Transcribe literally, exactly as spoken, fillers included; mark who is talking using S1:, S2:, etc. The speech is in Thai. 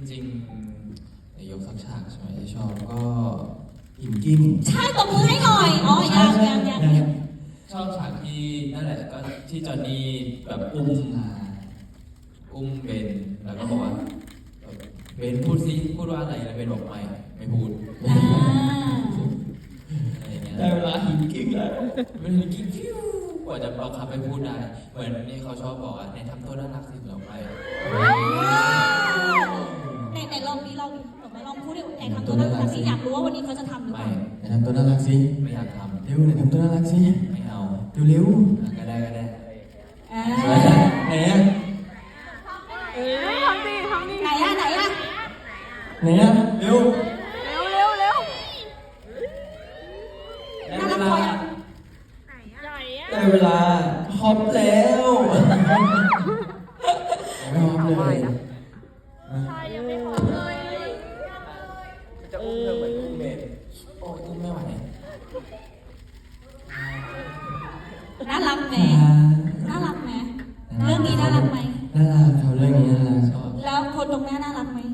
S1: จริงๆในยกสักฉากใช่ไหมที่ชอบก็อิ่มกิ้ม
S2: ใช่ตบมือให้หน่อยอ๋อยังยังยังยัง
S1: ชอบฉากที่นั่นแหละก็ที่จอนนี่แบบอุ้มอุ้มเบนแล้วก็บอกว่าเบนพูดซิพูดว่าอะไรแล้วเบนบอกไม่ไม่พูดอะไรเงี้ยได้เวลาหินกิ้งแล้วมันหินกิ้งฟิวกว่าจะบังคับให้พูดได้เหมือนนี่เขาชอบบอกอ่ะในทำตัวน่ารักสิเราไป
S2: ไหนไหนลองนี้ลองไหนลองพูดดิไหนทำตัวน่ารักสิอยากรู้ว่าวันนี้เขาจะทำหรือเปล่า
S3: ไหนทำตัวน่ารักสิ
S1: ไม่อยากทำ
S3: เร็วไหนทำตัวน่ารักสิ
S1: ไม่เอา
S3: เร็ว
S1: ๆก็ได้ก็ได้
S3: ไหนอ่ะ
S4: เออทำดิทำดิ
S2: ไหนอะไหนอะ
S3: ไหนอ่ะเร็ว
S4: เร็วเร็วเร็ว
S2: น่ารักพอยัง
S3: ได้เวลาฮอปแล้วไม่ฮอปเลย
S4: ใช่ยังไม่พอเลย
S1: จะอุ้มเธอเหมือนอุ้มเบนโอ้ยอุ้มไม่ไหว
S2: น่ารักไหมน่ารักไหมเรื่องนี้น่ารักไหม
S3: น่ารักเขาเรื่องนี้น่ารักชอบ
S2: แล้วคนตรงหน้าน่ารักไหม